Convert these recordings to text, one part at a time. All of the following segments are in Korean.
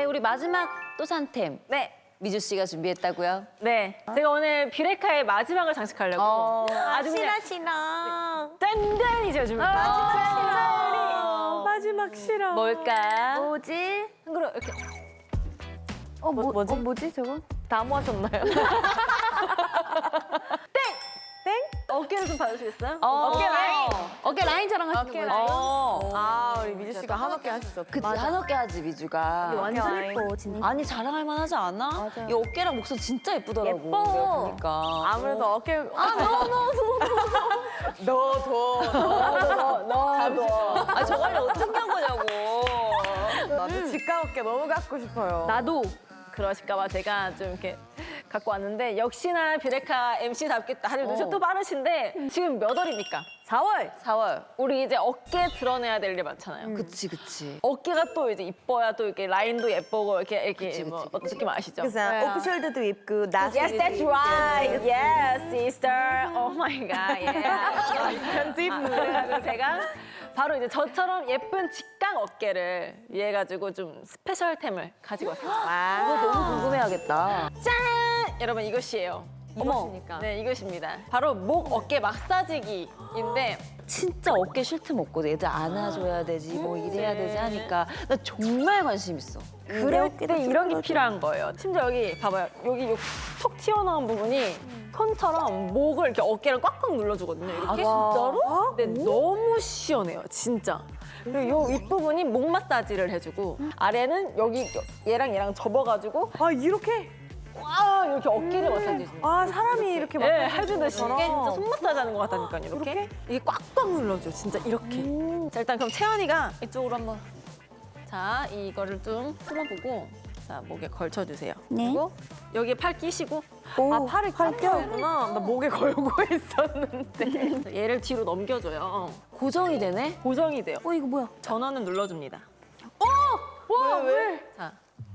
우리 마지막 또 산템. 네. 미주 씨가 준비했다고요? 네. 제가 오늘 뷰레카의 마지막을 장식하려고 아주 그냥 싫어. 짠짠이 제가 준비했어요. 마지막 싫어. 뭘까? 뭐지? 그리고 이렇게 뭐지? 뭐지 저거? 다 모아셨나요? 어깨를 좀 봐주시겠어요? 어깨 라인. 어깨 라인처럼 하시는 어깨 거예요? 라인. 아 우리 미주 씨가 한어깨 하셨어. 그치, 한어깨 하지, 미주가. 완전 예뻐 진짜. 아니, 자랑할 만하지 않아? 맞아요. 이 어깨랑 목선 진짜 예쁘더라고. 예뻐. 내가 보니까. 아무래도 어깨. 너도. 아, 저걸 어떻게 한 거냐고. 나도 직각 어깨 너무 갖고 싶어요. 나도 그러실까봐 제가 좀 이렇게 갖고 왔는데 역시나 뷰레카 MC답게 다들 눈치 또 빠르신데 지금 몇 월입니까? 4월. 4월. 우리 이제 어깨 드러내야 될 일 많잖아요. 그치, 그치. 어깨가 또 이제 이뻐야 또 이렇게 라인도 예쁘고 이렇게 그치, 뭐 그치, 어떤 느낌 아시죠? 그래서 오프숄더도 입고 나스. Yes, that's right. Yes, sister. Oh my God. Yeah. 편집. 그래서 제가 바로 이제 저처럼 예쁜 직각 어깨를 위해 가지고 좀 스페셜템을 가지고 왔습니다. 이거 너무 궁금해하겠다. 짠! 여러분 이것이에요. 이것이니까. 네, 이것입니다. 바로 목 어깨 마사지기인데 진짜 어깨 쉴 틈 없거든. 애들 안아줘야 되지, 뭐 이래야 되지 하니까. 나 정말 관심 있어. 그럴 때 이런 게 필요한 거예요. 심지어 여기 봐봐요. 여기 톡 튀어나온 부분이 손처럼 목을 이렇게 어깨를 꽉꽉 눌러주거든요. 이렇게. 진짜로? 근데 너무 시원해요, 진짜. 그리고 요 윗부분이 목 마사지를 해주고 아래는 여기 얘랑 접어가지고 아 이렇게? 와 이렇게 어깨를 마사지 해주는 거예요. 아 사람이 이렇게 막. 네, 해주듯이 이게 진짜 거구나. 손 마사지 하는 것 같다니까요, 이렇게. 이게 꽉꽉 눌러줘, 진짜 이렇게. 자, 일단 그럼 채연이가 이쪽으로 한번. 자, 이거를 좀 풀어보고 자, 목에 걸쳐주세요. 네. 그리고 여기에 팔 끼시고 아 팔을 껴야구나. 나 목에 걸고 있었는데. 얘를 뒤로 넘겨줘요. 고정이 되네? 고정이 돼요. 이거 뭐야? 전원을 눌러줍니다. 왜? 자.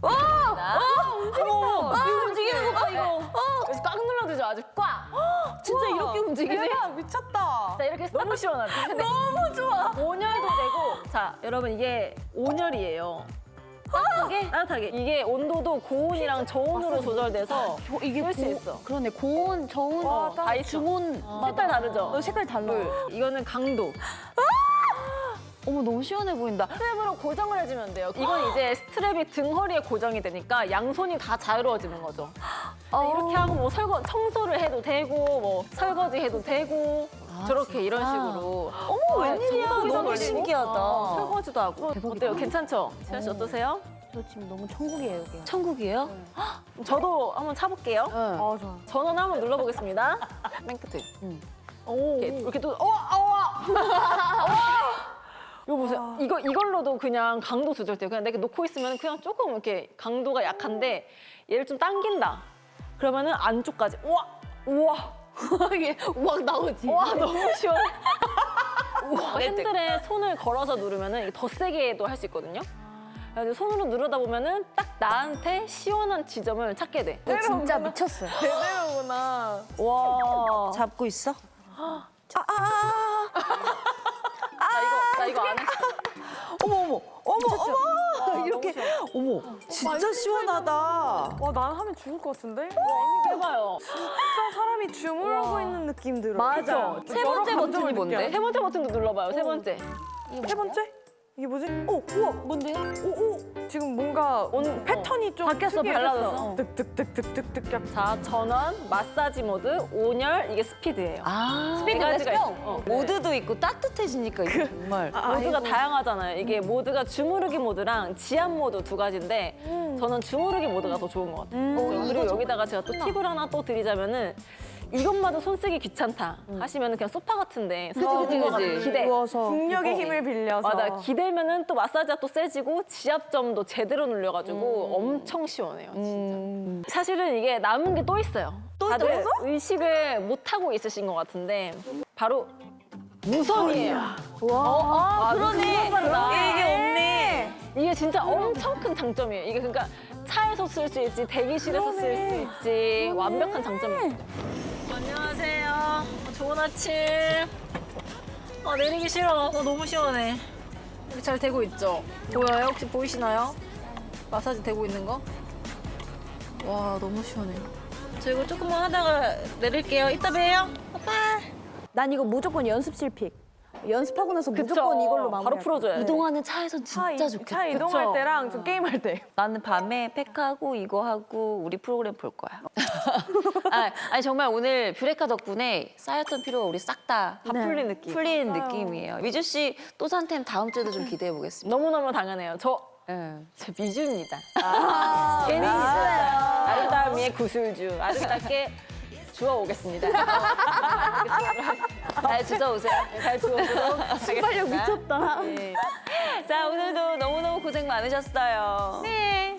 어머, 이거 움직이는 거 봐, 이거. 그래서 꽉 눌러주죠, 아주 꽉. 진짜 이렇게 움직이네? 대박 미쳤다. 자, 이렇게 너무 시원하죠? 너무 좋아. 온열도 되고. 자, 여러분, 이게 온열이에요. 따뜻하게. 이게 온도도 고온이랑 저온으로 조절돼서 이게 쓸 수 있어. 그러네, 고온, 저온, 다 있어. 중온. 색깔 다르죠? 색깔 달라. 이거는 강도. 어머, 너무 시원해 보인다. 스트랩으로 고정을 해주면 돼요. 이건 이제 스트랩이 등 허리에 고정이 되니까 양손이 다 자유로워지는 거죠. 이렇게 하고 뭐 청소를 해도 되고 뭐 설거지 해도 되고 저렇게 이런 식으로. 어머, 웬일이야. 청소기도 너무 돌리고, 신기하다. 설거지도 하고. 어때요? 괜찮죠? 채연 씨 어떠세요? 저 지금 너무 천국이에요 여기. 천국이에요? 저도 한번 차볼게요. 아 좋아. 전원 한번 눌러보겠습니다. 맨 끝에. 오. 이렇게 또 이거 보세요. 이걸로도 그냥 강도 조절돼요. 그냥 내가 놓고 있으면 그냥 조금 이렇게 강도가 약한데 얘를 좀 당긴다. 그러면은 안쪽까지 우와 이게 우악 나오지. 와 너무 시원해. 우와, 핸들에 손을 걸어서 누르면은 이게 더 세게도 할 수 있거든요. 그래서 손으로 누르다 보면은 딱 나한테 시원한 지점을 찾게 돼. 진짜 미쳤어요. 제대로구나. 와. 잡고 있어? 나 이거 안 했어. 어머, 이렇게. 어머, 진짜 시원하다. 와 난 하면 죽을 것 같은데? 해봐요. 진짜 사람이 주무르고 있는 느낌 들어. 맞아. 그죠? 세 여러 번째 감정을 버튼이 뭔데? 느껴요. 세 번째 버튼도 눌러봐요. 세 번째. 세 번째? 이게 뭐지? 오 우와. 뭔데? 오 지금 뭔가 패턴이 좀 바뀌었어, 특이해졌어. 달라졌어. 득득득득득득 약. 자, 전원, 마사지 모드, 온열, 이게 스피드예요. 스피드 네 가지가 렛츠고. 있어. 모드도 있고 따뜻해지니까 이게 정말. 모드가 다양하잖아요. 이게 모드가 주무르기 모드랑 지압 모드 두 가지인데 저는 주무르기 모드가 더 좋은 것 같아요. 그리고 여기다가 제가 또 팁을 하나 또 드리자면은 이것마저 손 쓰기 귀찮다 하시면은 그냥 소파 같은데 그치. 기대. 누워서 중력의 힘을 빌려서. 맞아. 기대면은 또 마사지가 또 세지고 지압점도 제대로 눌려가지고 엄청 시원해요, 진짜. 사실은 이게 남은 게 또 있어요. 다들 의식을 못 하고 있으신 것 같은데 바로 무선이에요. 와, 그러네. 이게 없네. 이게 진짜 엄청 큰 장점이에요. 이게 그러니까 차에서 쓸 수 있지, 대기실에서 쓸 수 있지, 완벽한 장점이에요. 안녕하세요. 좋은 아침. 내리기 싫어. 너무 시원해. 이렇게 잘 되고 있죠? 보여요? 혹시 보이시나요? 마사지 되고 있는 거. 와, 너무 시원해요. 저 이거 조금만 하다가 내릴게요. 이따 봬요. 난 이거 무조건 연습실 픽. 연습하고 나서 무조건 이걸로 마무리. 바로 풀어줘야 돼. 이동하는 차에선 진짜 좋겠다. 차 이동할 그쵸? 때랑 좀 게임할 때. 나는 밤에 팩하고 이거 하고 우리 프로그램 볼 거야. 아니 정말 오늘 뷰레카 덕분에 쌓였던 피로가 우리 싹 다 다 풀린 느낌. 풀린 느낌이에요. 미주 씨 또 산템 다음 주에도 좀 기대해 보겠습니다. 너무너무 당연해요. 저 예. 미주입니다. 괜히 미주예요. 아름다움 위의 구슬주. 아름답게 주워오겠습니다. 잘 주워오세요. 잘 주워오도록 하겠습니다. 미쳤다. 자 오늘도 너무너무 고생 많으셨어요. 네.